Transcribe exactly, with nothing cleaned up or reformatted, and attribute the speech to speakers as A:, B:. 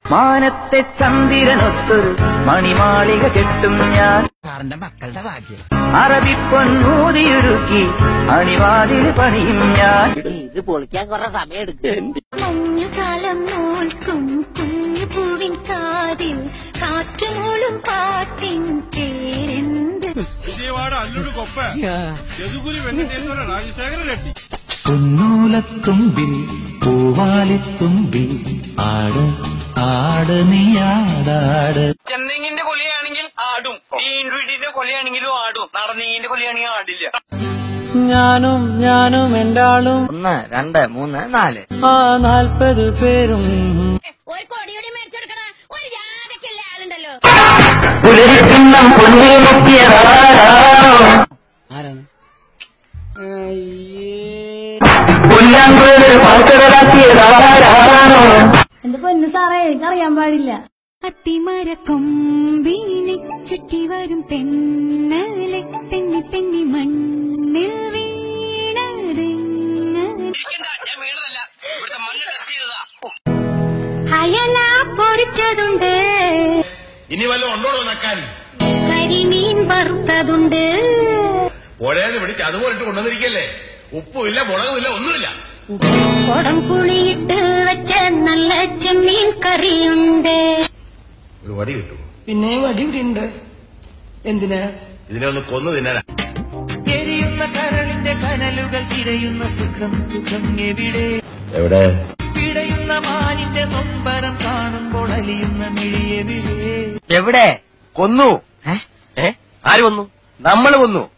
A: മാനത്തെ ചന്ദ്രനൊത്തൊരു മണിമാളിക കെട്ടും ഞാൻ
B: സാറിന്റെ മക്കളുടെ ഭാഗ്യം.
A: അറബിപ്പൊന്നൂതിയുരുക്കി അണിവാതിൽ പണിയും ഞാൻ.
B: ഇത് പൊളിക്കാൻ കുറെ സമയം എടുക്കും.
C: മഞ്ഞുകാലം നോൽക്കും കുഞ്ഞുപൂവിൻ കാതിൽ കാറ്റുമൂളും പാട്ടിൻ പേരെന്ത്?
D: വിജയവാഡ അല്ലൂട് കൊപ്പ യദുഗുരി വെങ്കടേശ്വര രാജശേഖര റെഡ്ഡി.
A: പൊന്നൂലത്തുമ്പിൽ പൂവാലിത്തുമ്പിൽ ആട് ആട് നീയാടാട്.
E: ചെന്തെങ്ങിന്റെ കൊലയാണെങ്കിൽ ആടും, ഈ ഇൻഡ്രീഡിന്റെ കൊലയാണെങ്കിലും ആടും, നടന്നെങ്ങിന്റെ കൊലയാണെങ്കിൽ ആടില്ല.
F: ഞാനും ഞാനും എന്റെ ആളും
B: ഒന്ന് രണ്ട് മൂന്ന് നാല്
F: ആ നാൽപ്പത് പേരും
C: ഒരു കൊടിയുടെ മേടിച്ചെടുക്കണ ഒരു ജാതക്കല്ലേ ആളുണ്ടല്ലോ.
A: പുലരിക്കിണ്ണം പൊന്നേ മുക്കിയതാരാണോ,
F: ആരാണ്
A: പുല്ലാങ്കുഴൽ പാക്കടലാക്കിയതാരാണോ.
G: എന്റെ പൊന്നു സാറേ എനിക്കറിയാൻ പാടില്ല.
C: അത്തിമരക്കൊമ്പീനെ ചുറ്റി വരും തെന്നലെ തെന്നി തെന്നി മണ്ണിൽ വീണതെങ്ങനെ
E: ഞാൻ വീണതല്ല, ഇവിടുത്തെ മണ്ണ് ടെസ്റ്റ് ചെയ്തതാ.
C: അയല പൊരിച്ചതുണ്ട്,
D: ഇനി വല്ലതും ഉണ്ടോടോ നക്കാൻ?
C: കരിമീൻ വറുത്തതുണ്ട്,
D: പുഴയെന്ന് പിടിച്ച് അതുപോലെ ഇട്ട് കൊണ്ടുവന്നിരിക്കല്ലേ. ഉപ്പുമില്ല മുളകുമില്ല ഒന്നുമില്ല.
C: കുടം പുളിയിട്ട് വെച്ച നല്ല ചെമ്മീൻ കറിയുണ്ട്.
D: ഒരു വടി കിട്ടും.
F: പിന്നെ വടി ഇവിടെ ഉണ്ട്. എന്തിനാ?
D: ഇതിനെ ഒന്ന് കൊന്നു തിന്നാനാ.
A: എരിയുന്ന കരളിന്റെ കനലുകൾ തിരയുന്ന സുഖം സുഖം എവിടെ.
D: എവിടെ?
A: പിടയുന്ന മാനിന്റെ നൊമ്പരം കാണുമ്പോൾ അലിയുന്ന മിഴിയെവിടെ.
B: എവിടെ കൊന്നു? ആര് കൊന്നു? നമ്മള് കൊന്നു.